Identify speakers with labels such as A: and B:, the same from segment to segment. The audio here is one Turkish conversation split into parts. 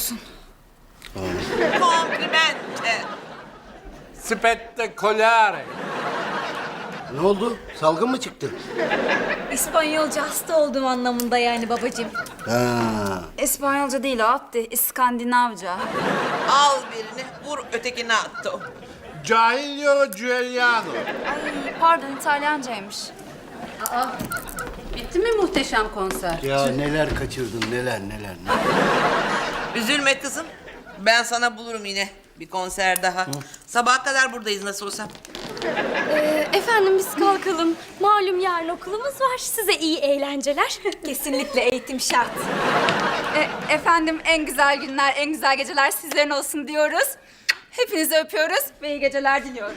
A: musun?
B: Komplimente.
C: Spettacolare.
D: Ne oldu? Salgın mı çıktı?
A: İspanyolca hasta olduğum anlamında yani babacığım.
D: Ha.
E: İspanyolca değil o Abdi, İskandinavca.
B: Al birini, vur ötekini attı o.
C: Giulio Giuliano.
E: Ay pardon İtalyancaymış.
F: Bitti mi muhteşem konser?
D: Ya neler kaçırdın neler.
B: Üzülme kızım. Ben sana bulurum yine bir konser daha. Sabaha kadar buradayız nasıl olsa.
A: Efendim biz kalkalım. Malum yarın okulumuz var. Size iyi eğlenceler. Kesinlikle eğitim şart.
E: Efendim en güzel günler, en güzel geceler sizlerin olsun diyoruz. Hepinizi öpüyoruz ve iyi geceler diliyoruz.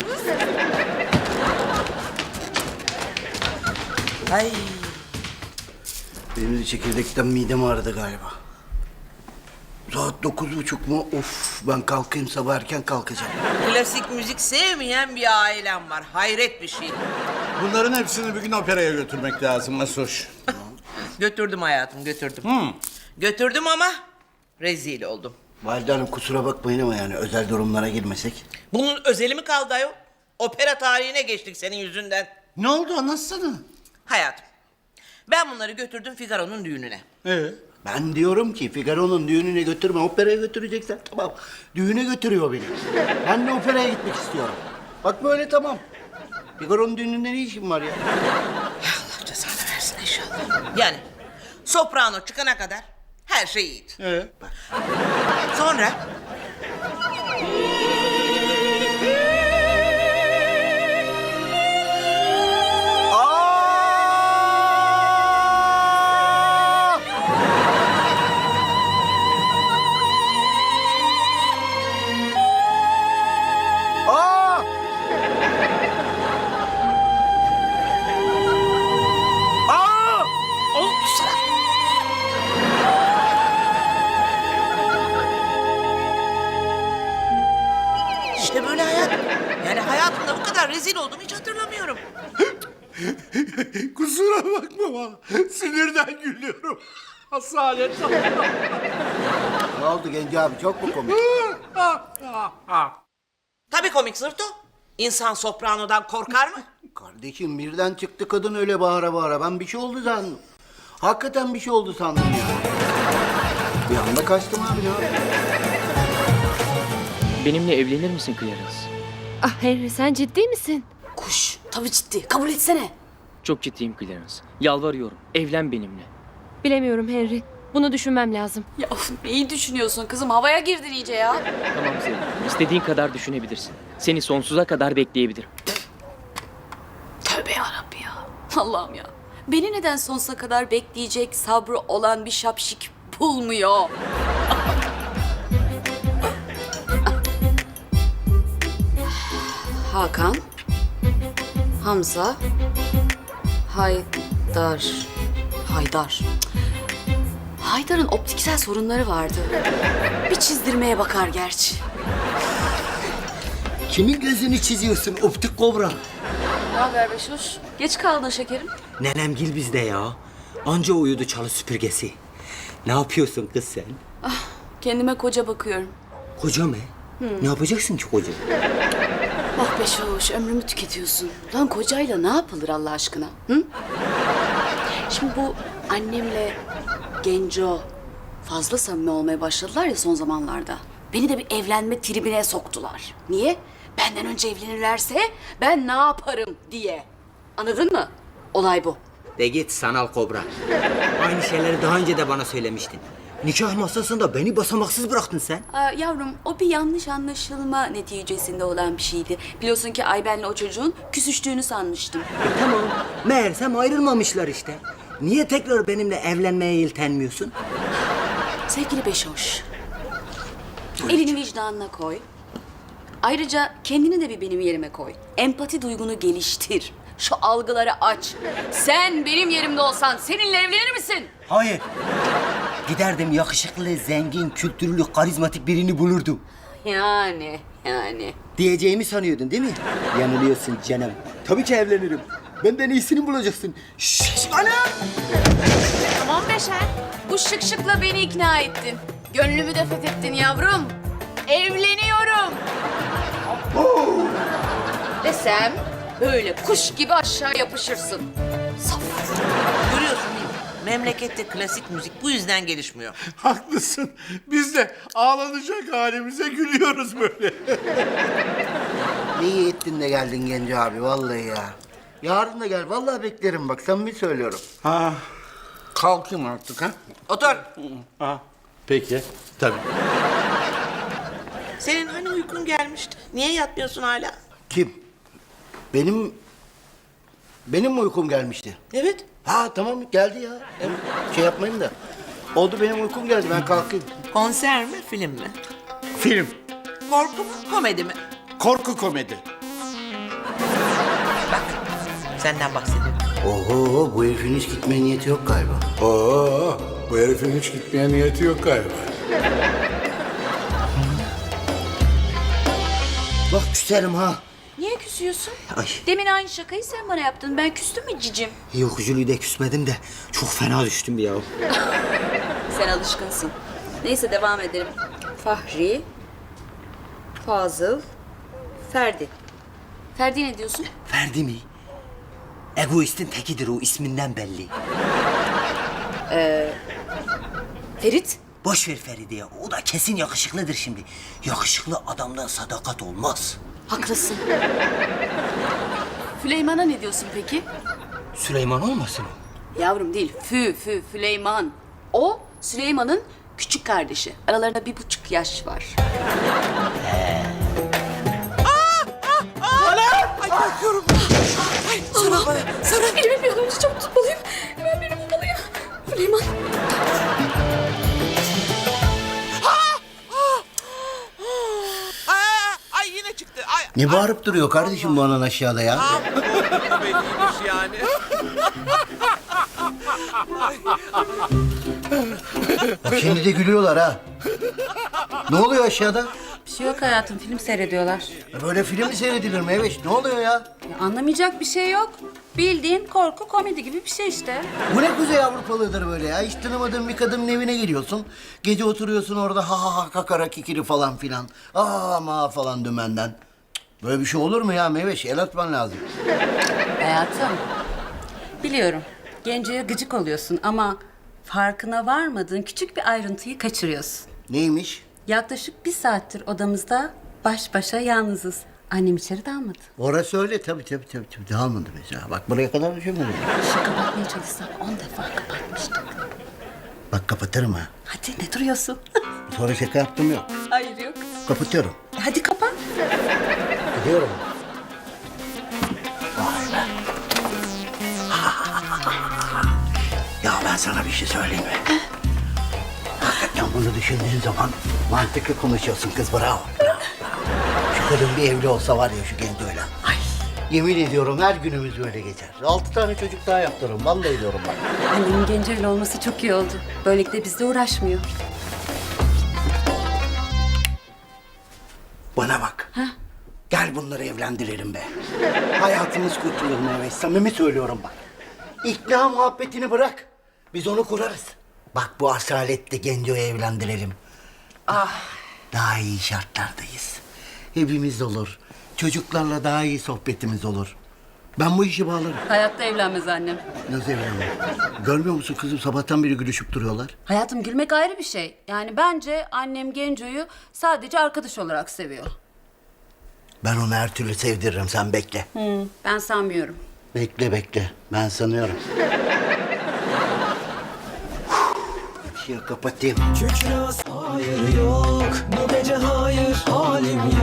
B: Ay.
D: Benim de çekirdekten midem ağrıdı galiba. Saat 9:30 mu? Of, ben kalkayım, sabah erken kalkacağım.
B: Klasik müzik sevmeyen bir ailem var. Hayret bir şey.
C: Bunların hepsini bir gün operaya götürmek lazım Masoş.
B: Götürdüm hayatım, götürdüm. Götürdüm ama rezil oldum.
D: Valide Hanım kusura bakmayın ama yani özel durumlara girmesek.
B: Bunun özeli mi kaldı ayol? Opera tarihine geçtik senin yüzünden.
C: Ne oldu anlatsana.
B: Hayatım, ben bunları götürdüm Figaro'nun düğününe.
D: Ben diyorum ki Figaro'nun düğününe götürme, operaya götüreceksen tamam. Düğüne götürüyor beni. Ben de operaya gitmek istiyorum. Bak böyle tamam. Figaro'nun düğününde ne işim var ya?
B: Allah cezanı versin inşallah. Yani soprano çıkana kadar her şey iyiydi. Sonra işte böyle hayat. Yani hayatımda bu kadar rezil olduğumu hiç hatırlamıyorum.
C: Kusura bakma bana. Sinirden gülüyorum. Asalet.
D: Ne oldu Genci abi, çok mu komik?
B: Tabii komik Zırto. İnsan sopranodan korkar mı?
D: Kardeşim birden çıktı kadın öyle bağıra bağıra. Ben bir şey oldu sandım. Hakikaten bir şey oldu sandım ya. Bir anda kaçtım abi ya.
G: Benimle evlenir misin Clarence?
A: Ah Henry sen ciddi misin?
F: Kuş, tabii ciddi. Kabul etsene.
G: Çok ciddiyim Clarence. Yalvarıyorum. Evlen benimle.
A: Bilemiyorum Henry. Bunu düşünmem lazım.
F: Ya of, neyi düşünüyorsun kızım? Havaya girdin iyice ya.
G: Tamam Zeynep. İstediğin kadar düşünebilirsin. Seni sonsuza kadar bekleyebilirim.
F: Tövbe yarabbi ya. Allah'ım ya. Beni neden sonsuza kadar bekleyecek sabrı olan bir şapşik bulmuyor? Hakan, Hamza, Haydar. Haydar'ın optiksel sorunları vardı. Bir çizdirmeye bakar gerçi.
D: Kimin gözünü çiziyorsun optik kobra?
F: Ne haber Beşoş? Geç kaldın şekerim.
H: Nenemgil bizde ya. Anca uyudu çalı süpürgesi. Ne yapıyorsun kız sen?
F: Kendime koca bakıyorum.
H: Koca mı? Ne yapacaksın ki koca?
F: Bak Beşoş, ömrümü tüketiyorsun. Lan kocayla ne yapılır Allah aşkına? Hı? Şimdi bu annemle Genco fazla samimi olmaya başladılar ya son zamanlarda. Beni de bir evlenme tribine soktular. Niye? Benden önce evlenirlerse ben ne yaparım diye. Anladın mı? Olay bu.
H: De git sanal kobra. Aynı şeyleri daha önce de bana söylemiştin. Nikah masasında beni basamaksız bıraktın sen.
F: Yavrum o bir yanlış anlaşılma neticesinde olan bir şeydi. Biliyorsun ki Ayben'le o çocuğun küsüştüğünü sanmıştım.
H: Tamam. Meğersem ayrılmamışlar işte. Niye tekrar benimle evlenmeye yeltenmiyorsun?
F: Sevgili Beşoş, elini vicdanına koy. Ayrıca kendini de bir benim yerime koy. Empati duygunu geliştir. Şu algıları aç. Sen benim yerimde olsan seninle evlenir misin?
H: Hayır. Giderdim yakışıklı, zengin, kültürlü, karizmatik birini bulurdum.
F: Yani.
H: Diyeceğimi sanıyordun değil mi? Yanılıyorsun canım. Tabii ki evlenirim. Benden iyisini bulacaksın. Şşş anam!
F: Tamam Beşer. Bu şık şıkla beni ikna ettin. Gönlümü de fethettin yavrum. Evleniyorum. Desem böyle kuş gibi aşağı yapışırsın.
B: Görüyorsun değil mi? Memlekette klasik müzik bu yüzden gelişmiyor.
C: Haklısın. Biz de ağlanacak halimize gülüyoruz böyle.
D: İyi ettin de geldin Genco abi vallahi ya. Yarın da gel vallahi beklerim bak samimi söylüyorum.
C: Ha, kalkayım artık ha.
B: Otur.
C: Ha, peki. Tabii.
B: Senin hani uykun gelmişti? Niye yatmıyorsun hala?
D: Kim? Benim mi uykum gelmişti?
B: Evet.
D: Ha tamam geldi ya. Şey yapmayın da. Oldu benim uykum geldi ben kalkayım.
B: Konser mi, film mi?
C: Film.
B: Korku mu, komedi mi?
C: Korku komedi.
B: Bak, senden bahsediyorum.
D: Oho bu herifin hiç gitmeye niyeti yok galiba.
C: Oo, bu herifin hiç gitmeye niyeti yok galiba.
D: Bak küserim ha.
F: Niye küsüyorsun?
H: Ay.
F: Demin aynı şakayı sen bana yaptın. Ben küstüm mü cicim?
H: Yok Jüli'de küsmedim de çok fena düştüm bir ya.
F: Sen alışkınsın. Neyse devam edelim. Fahri, Fazıl, Ferdi. Ferdi ne diyorsun?
H: Ferdi mi? Egoistin tekidir o isminden belli.
F: Ferit.
H: Boş ver Feride ya. O da kesin yakışıklıdır şimdi. Yakışıklı adamdan sadakat olmaz.
F: Haklısın. Füleyman'a ne diyorsun peki?
H: Süleyman olmasın o?
F: Yavrum değil. Füleyman. O Süleyman'ın küçük kardeşi. Aralarında 1,5 yaş var. Sonra elimi bir avuç çabuk tutmalıyım. Hemen beni bulmalıyım. Süleyman.
B: Ay yine çıktı. Ay,
D: Ne bağırıp duruyor kardeşim bu anan aşağıda ya?
B: yani.
D: Bak şimdi de gülüyorlar ha. Ne oluyor aşağıda?
I: Bir şey yok hayatım, film seyrediyorlar.
D: Böyle film mi seyredilir mi Eveş? Ne oluyor ya?
I: Ya anlamayacak bir şey yok. Bildiğin korku komedi gibi bir şey işte.
D: Bu ne Kuzey Avrupalığıdır böyle ya? Hiç tanımadığın bir kadının evine geliyorsun. Gece oturuyorsun orada ha ha ha kakara kikiri falan filan. Aa ma falan dümenden. Cık, böyle bir şey olur mu ya Meveş? El atman lazım.
I: Hayatım, biliyorum Genco'ya gıcık oluyorsun ama farkına varmadığın küçük bir ayrıntıyı kaçırıyorsun.
D: Neymiş?
I: Yaklaşık 1 saattir odamızda baş başa yalnızız. Annem içeri dalmadı.
D: Orası öyle tabii. Dağılmadı mesela. Bak buraya kadar düşünmedim.
I: Işığı kapatmaya çalışsak 10 defa kapatmıştık.
D: Bak kapatırım ha.
I: Hadi ne duruyorsun?
D: Sonra şaka yaptım yok.
I: Hayır yok.
D: Kapatıyorum.
I: Hadi kapat.
D: Gidiyorum. Ya ben sana bir şey söyleyeyim mi? Hakikaten bunu düşündüğün zaman mantıklı konuşuyorsun kız bravo. Şu kadın bir evli olsa var ya şu Genco'yla. Ay. Yemin ediyorum her günümüz böyle geçer. 6 tane çocuk daha yaptırırım. Vallahi diyorum bak.
I: Annemin Genco'yla olması çok iyi oldu. Böylelikle bizle uğraşmıyor.
D: Bana bak. Gel bunları evlendirelim be. Hayatımız kurtulur Mehmet. Samimi söylüyorum bak. İkna muhabbetini bırak. Biz onu kurarız. Bak bu asaletle Genco'yu evlendirelim. Daha iyi şartlardayız. Evimiz olur. Çocuklarla daha iyi sohbetimiz olur. Ben bu işi bağlarım.
I: Hayatta evlenmez annem.
D: Nasıl evlenmem? Görmüyor musun kızım? Sabahtan beri gülüşüp duruyorlar.
I: Hayatım gülmek ayrı bir şey. Yani bence annem Genco'yu sadece arkadaş olarak seviyor.
D: Ben onu her türlü sevdiririm. Sen bekle.
I: Ben sanmıyorum.
D: Bekle. Ben sanıyorum. Işığı kapatayım.
J: Kükre hayır yok, bu gece hayır halim